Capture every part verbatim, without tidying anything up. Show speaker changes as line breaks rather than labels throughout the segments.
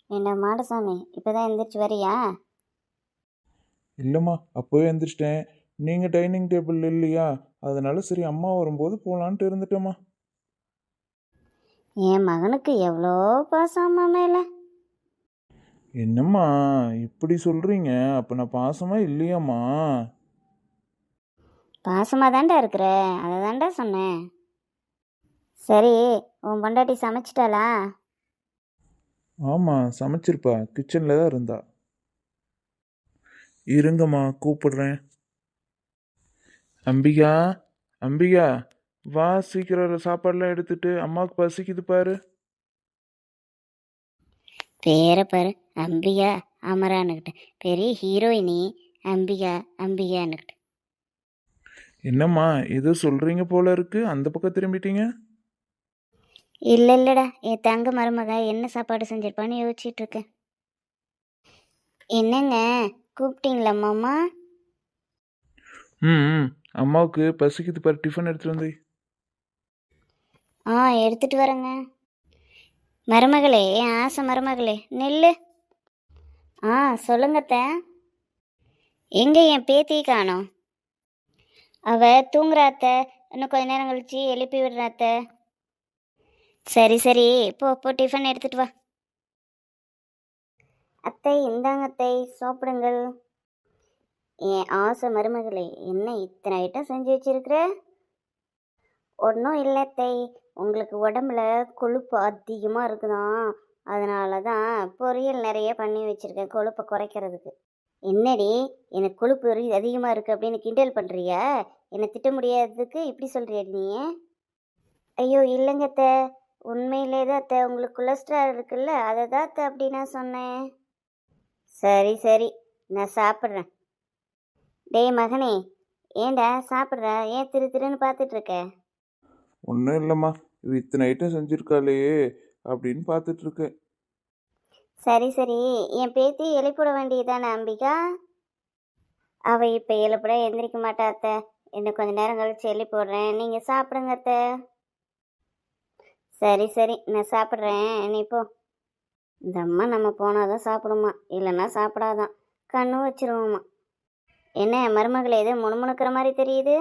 என்ன மாடசாமி இப்போதான் எந்திரிச்சு வரியா?
இல்லைம்மா, அப்போவே எந்திரிச்சிட்டேன். நீங்கள் டைனிங் டேபிள் இல்லையா, அதனால சரி அம்மா வரும்போது போகலான்ட்டு இருந்துட்டேம்மா.
என் மகனுக்கு எவ்வளோ பாசம் அம்மா மேலே.
என்னம்மா இப்படி சொல்கிறீங்க? அப்போ நான் பாசமாக இல்லையாம்மா?
பாசமாக தாண்டா இருக்கிற, அதை தாண்டா சொன்னேன். சரி, உன் பொண்டாட்டி சமைச்சிட்டாளா?
ஆமாம், சமைச்சிருப்பா, கிச்சனில் தான் இருந்தா. இருங்கம்மா கூப்பிடுறேன். அம்பிகா, அம்பிகா, வா சீக்கிரம் சாப்பாடெலாம் எடுத்துட்டு, அம்மாவுக்கு பசிக்குது பாரு.
பேரை பாரு, அம்பிகா அமரான்னுக்கிட்ட. பெரிய ஹீரோயினி அம்பிகா அம்பிகான்னுக்கிட்ட.
என்னம்மா ஏதோ சொல்கிறீங்க போல இருக்கு, அந்த பக்கம் திரும்பிட்டீங்க.
இல்லை இல்லைடா, என் தங்க மருமக என்ன சாப்பாடு செஞ்சிருப்பான்னு யோசிச்சுட்டு இருக்கேன். என்னங்க கூப்பிட்டீங்களா மாமா?
ம் ம், அம்மாவுக்கு பசிக்குது பாரு, டிஃபன் எடுத்துகிட்டு வந்து.
ஆ எடுத்துட்டு வரேங்க. மருமகளே, என் ஆசை மருமகளே நெல்லு. ஆ சொல்லுங்கத்த. எங்கே என் பேத்தி காணோம்? அவ தூங்குறாத்த, இன்னும் கொஞ்ச நேரம் கழிச்சு எழுப்பி விடுறாத்த. சரி சரி, போ போ டிஃபன் எடுத்துட்டு வா. அத்தை இந்தாங்க அத்தை, சாப்பிடுங்கள். என் ஆசை மருமகளே, என்ன இத்தனை ஐட்டம் செஞ்சு வச்சிருக்கிற? ஒன்றும் இல்லை அத்தை, உங்களுக்கு உடம்புல கொழுப்பு அதிகமாக இருக்குதான், அதனால தான் பொரியல் நிறைய பண்ணி வச்சுருக்கேன் கொழுப்பை குறைக்கிறதுக்கு. என்னடி எனக்கு கொழுப்பு அதிகமாக இருக்குது அப்படின்னு கிண்டல் பண்ணுறியா? என்னை திட்ட முடியாததுக்கு இப்படி சொல்கிறியா நீ? ஐயோ இல்லைங்க அத்தை, உண்மையிலே தான் அத்தை, உங்களுக்கு கொலஸ்ட்ரால் இருக்குல்ல, அதை தான் அத்தை அப்படி நான் சொன்னேன். சரி சரி, நான் சாப்பிட்றேன். டேய் மகனே, ஏண்டா சாப்பிட்ற? ஏன் திரு திருன்னு பார்த்துட்டு இருக்க?
ஒன்றும் இல்லைம்மா, இது இத்தனை ஐட்டம் செஞ்சுருக்காளே அப்படின்னு பார்த்துட்ருக்கேன்.
சரி சரி, என் பேத்தி எழுப்பிட வேண்டியதானே அம்பிகா? அவள் இப்போ எழுப்பிட எந்திரிக்க மாட்டா அத்தை, இன்னும் கொஞ்சம் நேரம் கழிச்சு எழுப்பி விட்றேன், நீங்கள் சாப்பிடுங்க அத்தை. சரி சரி, நான் சாப்பிட்றேன், நீ போ. இந்த அம்மா நம்ம போனால் தான் சாப்பிடுமா, இல்லைன்னா சாப்பிடாதான், கண்ணு வச்சிருவோம்மா. என்ன மருமகளை எது முணுமுணுக்கிற மாதிரி தெரியுது?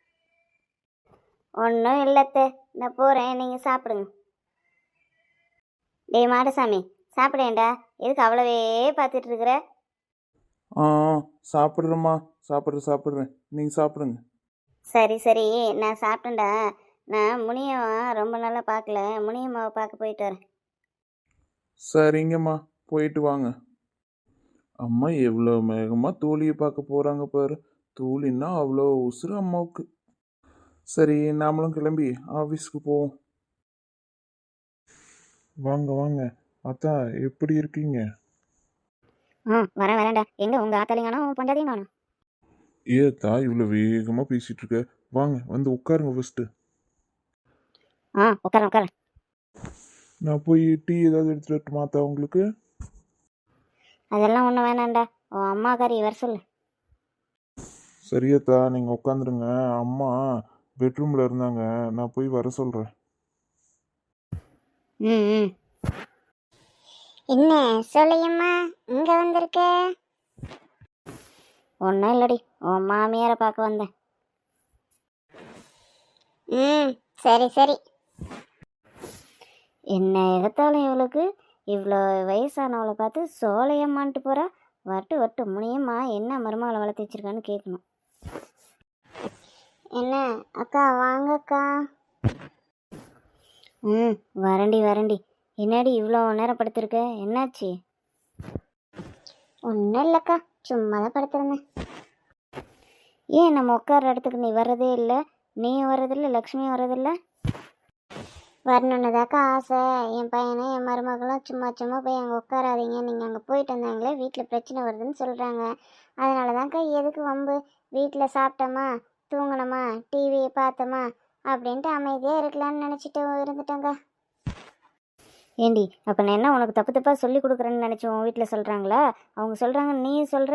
ஒன்றும் இல்லைத்த, நான் போகிறேன், நீங்கள் சாப்பிடுங்க. டேய் மாடசாமி, சாப்பிடேன்டா, எதுக்கு அவ்வளவே பார்த்துட்டு இருக்கிற?
ஆ சாப்பிட்றேம்மா, சாப்பிட்றேன் சாப்பிட்றேன், நீங்கள் சாப்பிடுங்க.
சரி சரி, நான் சாப்பிட்டேன்டா. நான் முனியம்மா ரொம்ப நாளாக பார்க்கல, முனியம்மாவை பார்க்க போயிட்டு வரேன்.
சரிங்கம்மா, போயிட்டு வாங்க. அம்மா எவ்வளோ வேகமாக தோழியை பார்க்க போகிறாங்க பாரு. தோழின்னா அவ்வளோ உசுறு அம்மாவுக்கு. சரி, நாமளும் கிளம்பி ஆஃபீஸ்க்கு போவோம். வாங்க வாங்க, அத்தா எப்படி இருக்கீங்க?
ஆ வரேன் வரேன்டா. எங்கே உங்கள் ஆத்தாலையும் காணும், பொண்டாதையும் காணும்?
ஏத்தா இவ்வளோ வேகமாக பேசிகிட்டு இருக்க? வாங்க வந்து உட்காருங்க ஃபஸ்ட்டு.
ஆ உட்காரேன் உட்காரேன்.
நான் போய் டீ ஏதாவது எடுத்துகிட்டு வரட்டுமா அத்தா உங்களுக்கு?
அதெல்லாம் ஒன்றும் வேணாண்டா, உன் அம்மாக்காரி வர சொல்லு.
சரியத்தா, நீங்கள் உட்காந்துருங்க. அம்மா பெட்ரூமில் இருந்தாங்க, நான் போய் வர சொல்கிறேன்.
ம் ம். என்ன சொல்லையம்மா இங்கே வந்திருக்க? ஒன்றும் இல்லடி, உன் மாமியாரை பார்க்க வந்தேன். ம் சரி சரி. என்ன எடுத்தாலும் இவளுக்கு இவ்வளோ வயசானவளை பார்த்து சோலையம்மான்ட்டு போகிறா. வட்டு வட்டு முனியம்மா என்ன மருமகளை வளர்த்து வச்சிருக்கான்னு கேட்கணும். என்ன அக்கா வாங்கக்கா. ம் வரண்டி வரண்டி. என்னடி இவ்வளோ நேரம் படுத்திருக்க, என்னாச்சு? ஒன்றும் இல்லைக்கா, சும்மா தான் படுத்திருந்தேன். ஏன் நம்ம உட்கார இடத்துக்கு நீ வர்றதே இல்லை? நீயும் வர்றதில்லை, லக்ஷ்மியும் வர்றதில்லை. வரணுன்னு தாக்கா ஆசை. என் பையனை என் மருமகளும் சும்மா சும்மா போய் அங்கே உட்காராதீங்க, நீங்கள் அங்கே போயிட்டு வந்தாங்களே வீட்டில் பிரச்சனை வருதுன்னு சொல்கிறாங்க. அதனால தான்க்கா, எதுக்கு வம்பு, வீட்டில் சாப்பிட்டோமா தூங்கினோமா டிவியை பார்த்தோமா அப்படின்ட்டு அமைதியாக இருக்கலான்னு நினச்சிட்டு இருந்துட்டேங்க. ஏண்டி அப்போ நான் என்ன உனக்கு தப்பு தப்பாக சொல்லி கொடுக்குறேன்னு நினச்சி உன் வீட்டில் சொல்கிறாங்களா? அவங்க சொல்கிறாங்கன்னு நீயும் சொல்கிற?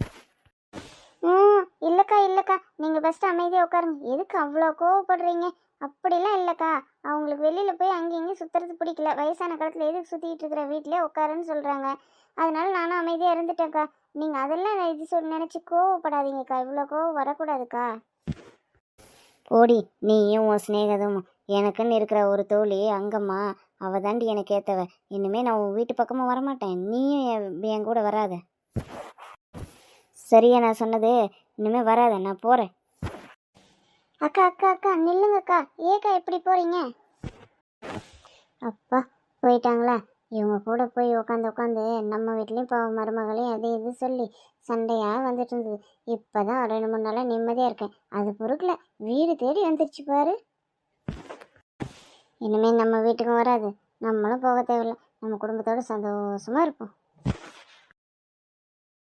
ம் இல்லைக்கா இல்லைக்கா, நீங்கள் ஃபஸ்ட்டு அமைதியாக உட்காருங்க. எதுக்கு அவ்வளோ கோவப்படுறீங்க? அப்படிலாம் இல்லைக்கா. அவங்களுக்கு வெளியில் போய் அங்கேயும் இங்கேயும் சுற்றுறது பிடிக்கல. வயசான காலத்தில் எதுக்கு சுற்றிக்கிட்டு இருக்கிற, வீட்டிலே உட்காருன்னு சொல்கிறாங்க. அதனால நானும் அமைதியாக இருந்துட்டேன்க்கா. நீங்கள் அதெல்லாம் இது சொல் நினச்சி கோவப்படாதீங்கக்கா. இவ்வளோ கோவம் வரக்கூடாதுக்கா. போடி, நீயும் உன் சிநேகதும். எனக்குன்னு இருக்கிற ஒரு தோழி அங்கம்மா, அவள் தாண்டி எனக்கு ஏற்றவ. இனிமேல் நான் உன் வீட்டு பக்கமும் வரமாட்டேன். நீயும் என் என் கூட வராத. சரியா நான் சொன்னது? இனிமேல் வராத, நான் போகிறேன். அக்கா அக்கா அக்கா நில்லுங்கக்கா. ஏக்கா எப்படி போகிறீங்க? அப்பா, போயிட்டாங்களா? இவங்க கூட போய் உட்காந்து உட்காந்து நம்ம வீட்லேயும் இப்போ மருமகளையும் அது இது சொல்லி சண்டையாக வந்துட்டு இருந்தது. இப்போ தான் ரெண்டு மூணு நாளாக நிம்மதியாக இருக்கேன். அது பொறுக்கல, வீடு தேடி வந்துருச்சு பாரு. இனிமேல் நம்ம வீட்டுக்கும் வராது, நம்மளும் போக தேவையில்லை. நம்ம குடும்பத்தோடு சந்தோஷமாக இருப்போம்.